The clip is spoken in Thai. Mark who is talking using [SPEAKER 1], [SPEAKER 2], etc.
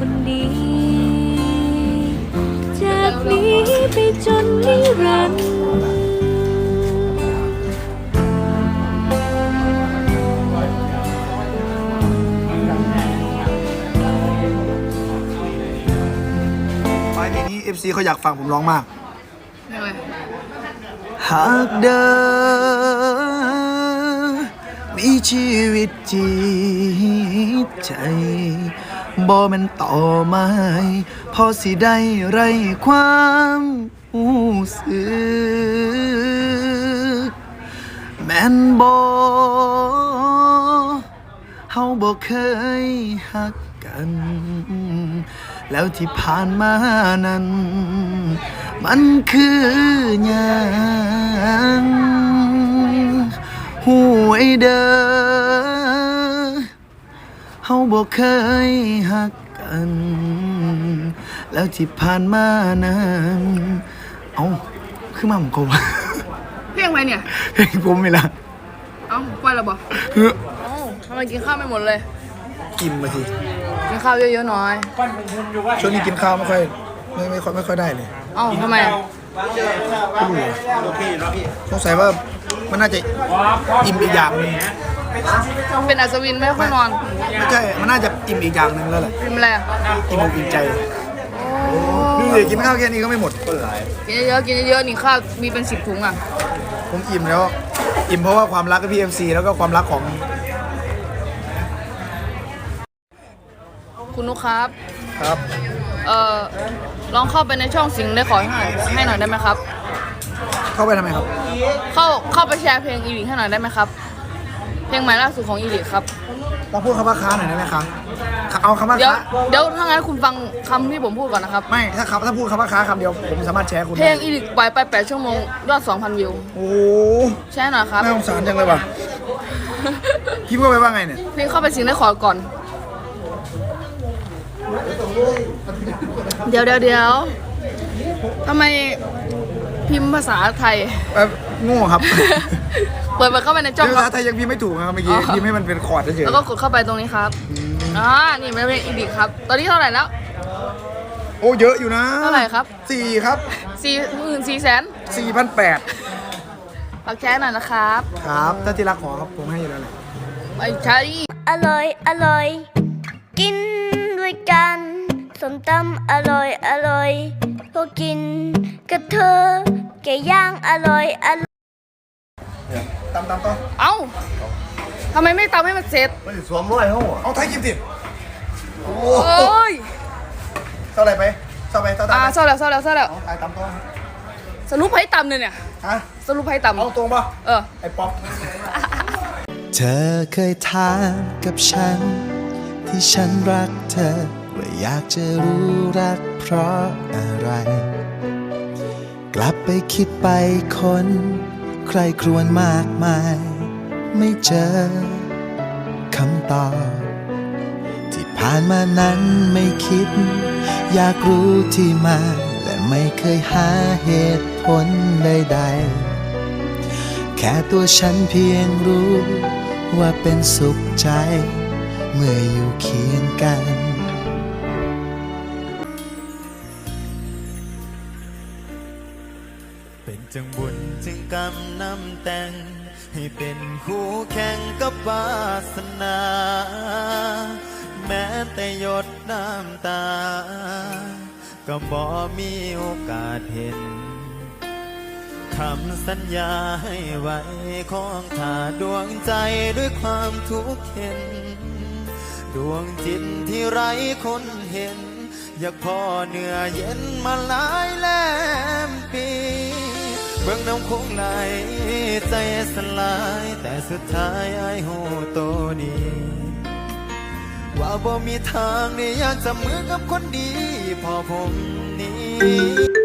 [SPEAKER 1] คนดีจากนี้ไปจนนิรันดร์
[SPEAKER 2] เพลงนี้ FC เขาอยากฟังผมร้องมาก
[SPEAKER 3] ยังไง
[SPEAKER 2] หากเดินมีชีวิตจิตใจบ่แมันต่อไม้พอสิได้ไรความรู้สึกแม่นบ่เฮาบ่เคยฮักกันแล้วที่ผ่านมานั้นมันคือหยังหูไอ้เด้อเฮาบ่เคยฮักกันแล้วที่ผ่านมานั้นเอ้าคือมาผมก็
[SPEAKER 3] เพลงอะไรเนี่ย
[SPEAKER 2] เพลงผมไม่ละ
[SPEAKER 3] เอ้าปล่อยแล้วบ่เอ้าทำไมกินข้าวไม่หมดเลย
[SPEAKER 2] กินมาที
[SPEAKER 3] กินข้าวเยอะๆหน่อย
[SPEAKER 2] ช่วงนี้กินข้าวไม่ค่อยได้เลย
[SPEAKER 3] เอ้าทำไมอะ
[SPEAKER 2] ไม่รู้เลยสงสัยว่ามันน่าจะอิ่มอีกอย่างหนึง
[SPEAKER 3] เป็นอัศวินไม่ค่อยนอน
[SPEAKER 2] ไม่ใช่มันน่าจะอิ่มอีกอย่างหนึงแล้วแหละ
[SPEAKER 3] เป็นอะไรอะ
[SPEAKER 2] อิ่มอกอิ่มใจดูดิกินข้าวแค่นี้ก็ไม่หมด
[SPEAKER 3] กินเยอะๆกินเยอะๆนี่ข้าวมีเป็น10 ถุงอ่ะ
[SPEAKER 2] ผมอิ่มแล้วอิ่มเพราะว่าความรักกับพี่เอ็มซีแล้วก็ความรักของ
[SPEAKER 3] คุณนุกครับ
[SPEAKER 2] ครับ
[SPEAKER 3] ลองเข้าไปในช่องสิงห์ได้ขอให้หน่อยได้ไหมครับ
[SPEAKER 2] เข้าไปทำไมครับ
[SPEAKER 3] เข้าไปแชร์เพลงอีลิกให้หน่อยได้ไหมครับ เพลงใหม่ล่าสุดของอีลิกครับ
[SPEAKER 2] เราพูดคำว่าค้าหน่อยได้ไหมคะเอาคำว่า
[SPEAKER 3] เดี๋ยว
[SPEAKER 2] ค้า
[SPEAKER 3] ถ้างั้นคุณฟังคำที่ผมพูดก่อนนะครับ
[SPEAKER 2] ไม่ถ้าพูดคำว่าค้าคำเดียวผมสามารถแชร์คุณ
[SPEAKER 3] เพลงอีลิกปล่อยไป8 ชั่วโมงยอด 2,000 วิว
[SPEAKER 2] โอ้
[SPEAKER 3] แชร์หน่อยครับ
[SPEAKER 2] น่าสงสารจังเลยว่ะพี่พูดไปว่าไงเนี่ย
[SPEAKER 3] เพลงเข้าไปสิงห์ได้ขอก่อน เดี๋ยวทำไมพิมพ์ภาษาไทย
[SPEAKER 2] โง่ครับ
[SPEAKER 3] เปิดเข้าไปในช่อง
[SPEAKER 2] ภาษาไทยยังพิมพ์ไม่ถูกนะครับเมื่อกี้พิมพ์ให้มันเป็นคอร์ดเฉย
[SPEAKER 3] แล้วก็กดเข้าไปตรงนี้ครับนี่เป็นเพลงอีลิกครับ ตอนนี้เท่าไหร่แล้ว
[SPEAKER 2] ๆโอ้เยอะอยู่นะ
[SPEAKER 3] เท่าไหร่ครับ
[SPEAKER 2] 4 ครับ
[SPEAKER 3] 44,000
[SPEAKER 2] 4,800
[SPEAKER 3] ฝากแชร์หน่อยนะครับ
[SPEAKER 2] ครับถ้าที่รักขอครับผมให้อยู่แล้วแหละ
[SPEAKER 3] ไม่ใช่
[SPEAKER 1] อร่อยอร่อยกินด้วยกันส้มตำอร่อยอร่อยพวกกินกับเธอแกย่างอร่อยอร่อย
[SPEAKER 2] ตามต่อ
[SPEAKER 3] เอ้าทำไมไม่ตามให้มันเสร็จ
[SPEAKER 4] ไม่สวมร้อยเขาอ่ะ
[SPEAKER 2] เอาไทยกินสิโอ้
[SPEAKER 3] โอ้ย
[SPEAKER 2] เท่าไหร่ไปเท่าไหร่เท่าไหร่
[SPEAKER 3] เศร้าแล้ว
[SPEAKER 2] เอาไทยตามต่อ
[SPEAKER 3] สรุปให้ต่ำเลยเนี่ย
[SPEAKER 2] ฮะ
[SPEAKER 3] สรุปให้ต่ำ
[SPEAKER 2] เอาตรงป่ะ
[SPEAKER 3] เออ
[SPEAKER 2] ไอ้ป๊อป
[SPEAKER 5] เธอเคยถามกับฉัน ที่ฉันรักเธอว่าอยากจะรู้รักเพราะอะไร กลับไปคิดไปคนใครครวญมากมาย ไม่เจอคำตอบที่ผ่านมานั้นไม่คิด อยากรู้ที่มาและไม่เคยหาเหตุผลใดๆแค่ตัวฉันเพียงรู้ว่าเป็นสุขใจ เมื่ออยู่เคียงกัน เป็นจังบุญจึงกำนำแต่ง ให้เป็นคู่แข่งกับวาสนา แม้แต่หยดน้ำตา ก็บ่มีโอกาสเห็นคำสัญญาให้ไว้ของข้าดวงใจด้วยความทุกข์เห็น ดวงจิตที่ไร้คนเห็น อยากพ่อเนื้อเย็นมาหลายแลมปี เบื้องน้ำคงไหลใจสลายแต่สุดท้ายไอ้หูโตดีว่าบ่มีทางได้อยากจะมือกับคนดีพอผมนี้